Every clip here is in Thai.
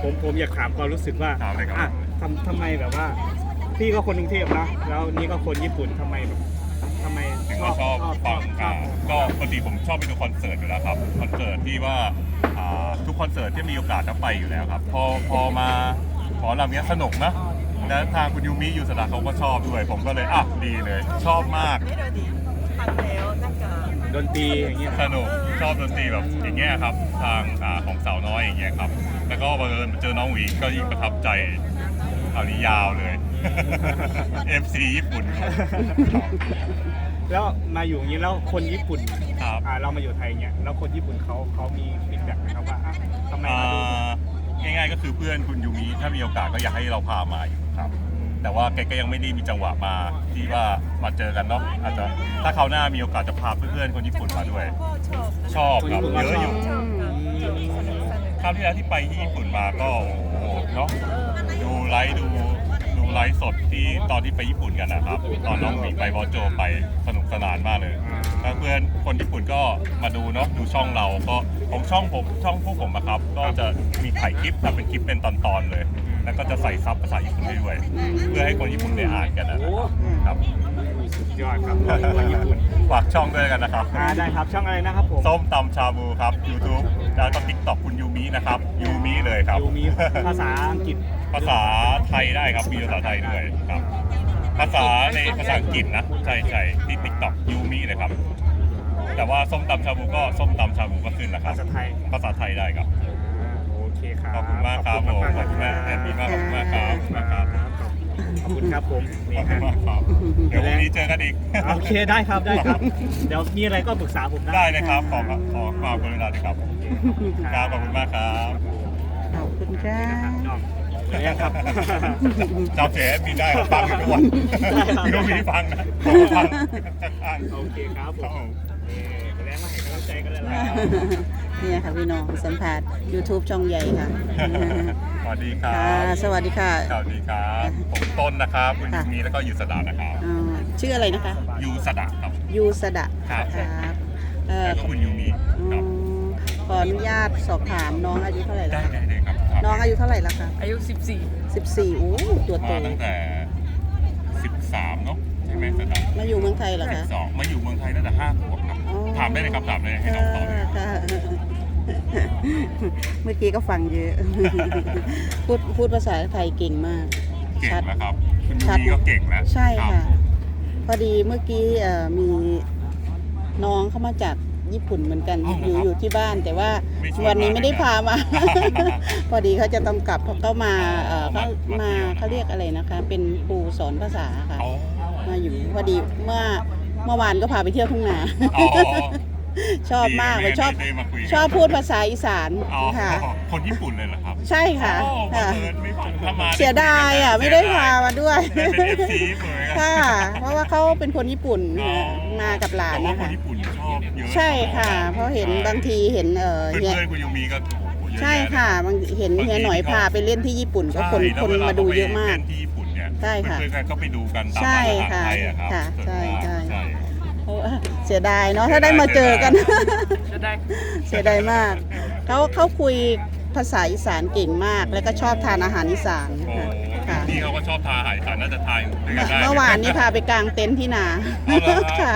ผมอยากถามความรู้สึกว่าถามเลยครับอ่ะทำไมแบบว่าพี่ก็คนกรุงเทพนะแล้วนี่ก็คนญี่ปุ่นทำไมถึงว่าชอบฟังก็ปกติผมชอบไปดูคอนเสิร์ตอยู่แล้วครับคอนเสิร์ตที่ว่าทุกคอนเสิร์ตที่มีโอกาสจะไปอยู่แล้วครับพอมาขอลำนี้สนุกนะและทางคุณยูมิยูสดาเขาก็ชอบด้วยผมก็เลยดีเลยชอบมากดนตรีอย่างเงี้ยสนุกชอบดนตรีแบบอย่างเงี้ยครับทางของสาวน้อยอย่างเงี้ยครับแล้วก็บังเอิญมาเจอน้องหวีก็ยิ่งประทับใจคราวนี้ยาวเลย FC ญี่ปุ่นครับแล้วมาอยู่อย่างนี้แล้วคนญี่ปุ่นครับเรามาอยู่ไทยเงี้ยแล้วคนญี่ปุ่นเขามีฟีดแบ็กไหมครับว่าทำไมมาดูง่ายๆก็คือเพื่อนคุณยูมิถ้ามีโอกาสก็อยากให้เราพามาอยู่ครับแต่ว่าแกก็ยังไม่ได้มีจังหวะมาที่ว่ามาเจอกันเนาะอาจจะถ้าคราวหน้ามีโอกาสจะพาเพื่อนๆคนญี่ปุ่นมาด้วย ชอบครับเยอะอยู่คราวที่แล้วที่ไปที่ญี่ปุ่นมาก็โอ้โหเนาะดูไลฟ์สดที่ตอนที่ไปญี่ปุ่นกันนะครับตอนน้องหมีไปบอโจไปสนุกสนานมากเลยแล้วเพื่อนคนญี่ปุ่นก็มาดูเนาะดูช่องเราก็ของช่องพวกผมอะครับก็จะมีถ่ายคลิปทำเป็นคลิปเป็นตอนๆเลย แล้วก็จะใส่ซับภาษาญี่ปุ่นให้ด้วยเพื่อให้คนญี่ปุ่นได้อ่านกันนะครับสุดยอดครับคนญี่ปุ่นฝากช่องด้วยกันนะครับได้ครับช่องอะไรนะครับผมส้มตำชาบูครับ YouTube แล้วก็ TikTok คุณยูมินะครับยูมิเลยครับยูมิภาษาอังกฤษภาษาไทยได้ครับมีภาษาไทยด้วยครับภาษาอังกฤษนะใช่ที่ TikTok ยูมิเลยครับแต่ว่าส้มตำชาบูก็ส้มตำชาบูก็ขึ้นนะครับภาษาไทยภาษาไทยได้ครับโอเคครับขอบคุณมากครับผมขอบคุณมากแอนดี้มากขอบคุณมากครับขอบคุณครับผมขนี่อบคุณฮะมากครับเดี๋ยววันนี้เจอกันอีกโอเคได้ครับเดี๋ยวมีอะไรก็ปรึกษาผมได้ได้เลยครับขอความกรุณาด้วยครับครับขอบคุณมากครับขอบคุณค่ะเนี่ยครับจำเสียมีได้ครับฟังอยู่ทุกวันได้ครับพี่ต้องมีฟังนะผมฟังข้างโอเคครับๆผครับมผมแล้วมาให้กำลังใจกันเลยล่ะเนี่ยค่ะพี่น้องสัมภาษณ์ YouTube ช่องใหญ่ค่ะสวัสดีครัค่ะบสวัสดีค่ะสวัสดีครับผมต้นนะครับคุณยูมีแล้วก็ยูสดานะครับชื่ออะไรนะคะยูสดาครับยูสดะครับครับเอ่อแล้วก็คุณยูมีอืครับมขออนุญาตสอบถามน้องอายุเท่าไหร่ได้แล้วคะเลยครับน้องอายุเท่าไหร่แล้วคะอายุ 14โอ้ตัวโตมาตั้งแต่ 13เนาะใช่ไหมสดามาอยู่เมืองไทยเหรอคะ 12มาอยู่เมืองไทยตั้งแต่5 ขวบครับอ๋อถามได้เลยครับถามเลยให้น้องตอบเลยค่ะเมื่อกี้ก็ฟังเยอะ พูดภาษาไทยเก่งมากเก่งชัดแล้วครับคุณยูชัดมีก็เก่งแล้วใช่รับค่ะ พอดีเมื่อกี้มีน้องเข้ามาจากญี่ปุ่นเหมือนกัน อยู่ที่บ้าน แต่ว่าไม่ชวนวันนี้ไม่ได้มาเลยนะพามา พอดีเขาจะต้องกลับเขามาเขาเรียกอะไรนะคะ เป็นครูสอนภาษาค่ะอ๋อมาอยู่พอดีเมื่อวานก็พาไปเที่ยวทุ่งนาอ๋อชอบมากเลยชอบได้มาคุยกันชอบพูดภาษาอีสานอ๋อค่ะคนญี่ปุ่นเลยเหรอครับใช่ค่ะโอ้บังค่ะเอิญไม่ถ้ามาเสียดายไม่ได้พามาด้วยเป็น FC เลยค่ะ เพราะว่าเขาเป็นคนญี่ปุ่นอ๋อมากับหลานแต่ว่านะคนคะญี่ปุ่นชอบเยอะใช่ค่ะ เพราะเห็นบางทีเห็นเพื่เฮียอนๆคุณยูมีก็โอ้โหเยอะใช่แยค่ะบางเห็นเฮียหน่อยพาไปเล่นที่ญี่ปุ่นก็ใช่คนแล้วคนวลมาดูเยอะมากเล่นที่ญี่ปุ่นเนี่ยใช่ค่ะเพื่อนๆก็ไปดูกันตามใช่ร้านอาหารค่ะไทยอะครับค่ะส่วนมากใช่ใช่เสียดายเนาะถ้าได้มาเจอกันจะได้เสียดายมาก เขาคุยภาษาอีสานเก่งมาก แล้วก็ชอบทานอาหารอีสานโอ้ค่ะพี่เขาก็ชอบทานอาหารอีสานน่าจะทานด้วยกันได้เมื่อวานนี้พาไปกางเต็นท์ที่นาเอาเหรอค่ะ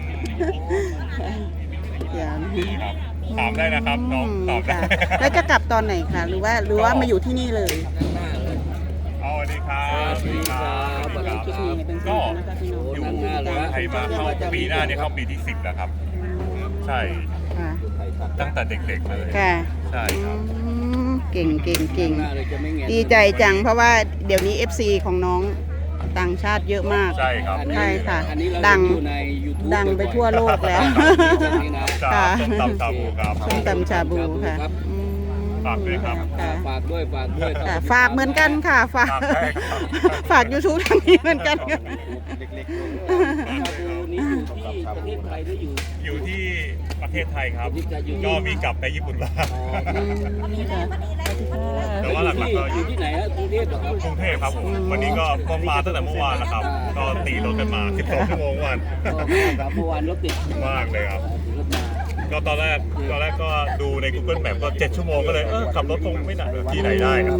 ดีครับถามได้นะครับน้องตอบได้ค่ะแล้วจะกลับตอนไหนคะหรือว่ามาอยู่ที่นี่เลยเอาสวัสดีครับสวัสดีครับเดี๋ยวเราคลิปนี้ให้เป็นสิ่งนะคะพี่น้องอยู่เมืองไทยมาเข้าปีหน้าเนี่ยเข้าปีที่ 10แล้วครับ ใช่ค่ะตั้งแต่เด็กๆเลยค่ะใช่ครับเก่งดีใจจังเพราะว่าเดี๋ยวนี้ FC ของน้องต่างชาติเยอะมากใช่ครับใช่ค่ะอันนี้เราดังอยู่ใน YouTube ดังไปทั่วโลกแล้วนี่นะครับส้มตำชาบูครับส้มตำชาบูค่ะครับอืมฝากด้วยครับค่ะฝากด้วยครับค่ะฝากเหมือนกันค่ะ ฝากฝากได้ครับฝาก YouTube ทางนี้เหมือนกันค่ะเล็กๆชาบูนี้อยู่ที่ประเทศไทยหรืออยู่อยู่ที่ประเทศไทยครับประเทศไทยอยู่ก็มีกลับไปญี่ปุ่นบ้างอืมค่ะสวัสดีค่ะแต่ว่าหลักๆก็ออยู่ยู่ที่ไหนฮะกรุงเทพเหรอครับกรุงเทพครับผม วันนี้ก็มาตั้งแต่เมื่อวานแล้วครับ ก็ตีรถกันมา 12 ชั่วโมงวันก็ครับเมื่อวานรถติดมากเลยครับรถมาก็ตอนแรกก็ดูใน Google Map ก็7 ชั่วโมงก็เลยขับรถคงไม่หนักที่ไหนได้ครับ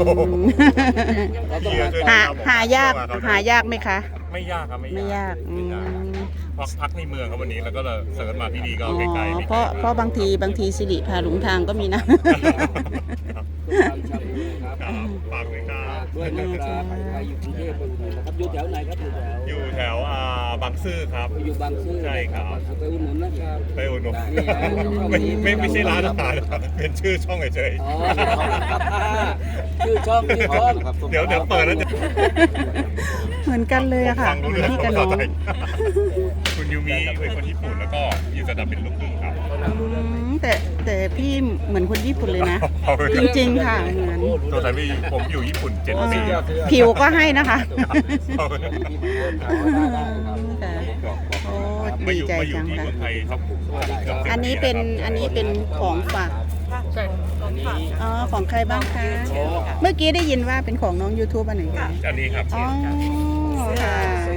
หายากไหมคะไม่ยากครับไม่ยากพักในเมืองครับวันนี้แล้วก็เลยเสิร์ชมาที่นี่ก็อ๋อใกล้ๆเพราะบางทีสิริพาหลงทางก็มีนะครับฝากด้วยครับด้วยนะครับใครอยู่กรุงเทพนะครับอยู่แถวไหนครับอยู่แถวอยู่แถวบางซื่อครับอยู่บางซื่อใช่ครับไปอุดหนุนนะครับไปอุดหนุนนี่ไม่ใช่ร้านอาหารนะครับเป็นชื่อช่องเฉยอ๋อชื่อช่องครับๆเดี๋ยวเปิดแล้วจะเหมือนกันเลยอะค่ะฟังรู้เหมืเรื่ออน งพี่กับน้องคุณยูมิเป็นคนญี่ปุ่นแล้วก็ยูซาดะเป็นลูกครึ่งครับแต่พี่เหมือนคนญี่ปุ่นเลยนะ จริงๆค่ะเหมือนตัวสามีผมอยู่ญี่ปุ่น7 ปีผิวก็ให้นะคะครับค่ะโอ้มาดีอยู่ใจมาอยู่จังที่ค่ะเมืองไทยครับอันนี้เป็นของฝากอันนี้อ๋อของใครบ้างคะเมื่อกี้ได้ยินว่าเป็นของน้อง YouTube อันไหนคะอันนี้ครับอ๋อค่ะ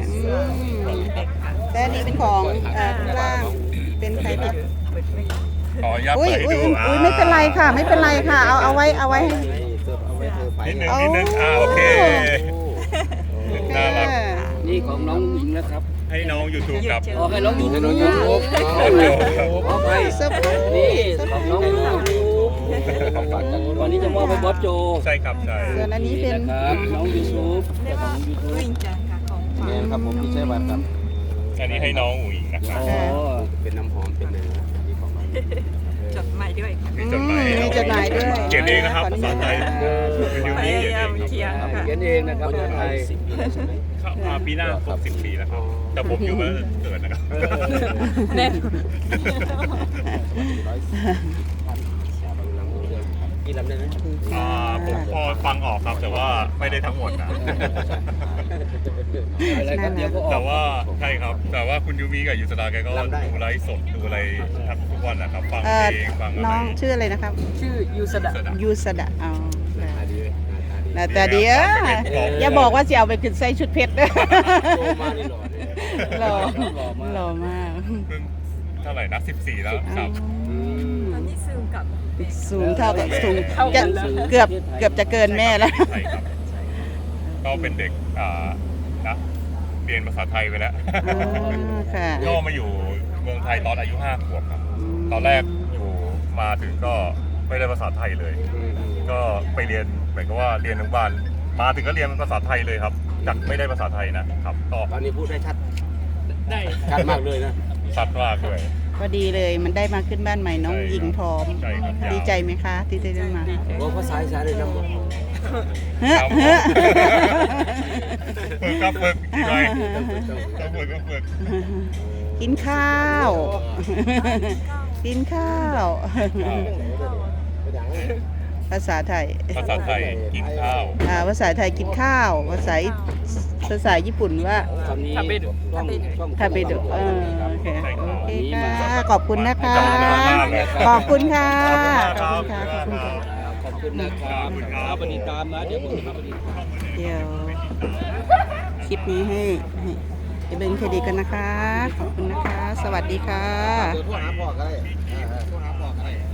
แต่อันนี้เป็นของข้างล่างเป็นใครคะขออนุญาตอุ้ยเปิดให้อุ้ยดูอุ้ยไม่เป็นไรค่ะ ไม่เป็นไรค่ะ เอาไว้ให้นิดนึงโอเคน่ารักนี่ของน้องหญิงนะครับให้น้อง YouTube ครับอ๋อให้น้องยูทูบขอไปเซอร์ไพรส์นี่ของน้องยูทูบวันนี้จะมอบให้บอสโจใช่ครับใช่ส่วนอันนี้เป็นครับน้องยูทูบของยูทูบเนี่ยครับผมที่ใช้บัตรครับอันนี้ให้น้องอุ๋ยนะครับอ๋อเป็นน้ำหอมเป็นอะไรนะที่ของมันจดหมายด้วยค่ะมีจดหมายให้มีน้องจดหมายด้วยเขียนเองนะครับภาษาไทยพคุณยูมิยาเขียนยามเองเขียนค่ะเขียนเองนะครับคนไทยครับปีหน้าครบ10 ปีแล้วครับแต่ผมอยู่มาเกิดนะครับแน่นกี่ลำได้ไหมผมพอฟังออกครับแต่ว่าไม่ได้ทั้งหมดนะอะไรครับเดี๋ยวก็อแต่อกว่าใช่ครับแต่ว่าคุณยูมิกับยูสดาแกก็ดูไลฟ์สดดูอะไรทุกวันนะครับฟังเพลงฟังอะไรน้องชื่ออะไรนะครับชื่อยูสดะยูสดะอ๋อหน้าตาดีอย่าบอกว่าจะเอาไปขึ้นใส่ชุดเพชรนะโตมานี่หล่อหล่อมากเพิ่งเท่าไหร่นะ14แล้วครับตอนนี้ซึมกับสูงเท่ากับสูงเท่ากัจะนแล้วเกือบจะเกินแม่แล้วใช่ครับก็เป็นเด็กนะเรียนภาษาไทยไปแล้วอ๋อค่ะก็มาอยู่เมืองไทยตอนอายุ5 ขวบครับ ตอนแรกอยู่มาถึงก็ไม่ได้ภาษาไทยเลย ก็ไปเรียนเหมือนกับว่าเรียนอนุบาลมาถึงก็เรียนภาษาไทยเลยครับจากไม่ได้ภาษาไทยนะครับก็ตอนนี้พูดได้ชัดได้ชัดมากเลยนะชัดมากด้วยพอดีเลยมันได้มาขึ้นบ้านใหม่น้องหญิงพร้อมใช่ครับยาวดีใจไหมคะที่ได้มาบอกภาษาอีสานเลยนะบอกเฮ้อครับเฮ้อฝึกครับฝึกอีกหน่อยต้องฝึกก็ฝึกกินข้าว กินข้าว ภาษาไทยภาษาไทยกินข้าวภาษาไทยกินข้าว ภาษาญี่ปุ่นว่าคำนี้ต้องทาเบโดะโอเคใช่ครับโอเคค่ะขอบคุณนะคะ ขอบคุณค่ะ ขอบคุณค่ะ ขอบคุณค่ะขอบคุณนะครับปฏิตามนะเดี๋ยวผมทำปฏิตามเดี๋ยวคลิปนี้ให้เป็นเครดิตกันนะคะ ขอบคุณนะคะ สวัสดีค่ะเดี๋ยวโทรหาพ่อก็ได้โทรหาพ่อก็ได้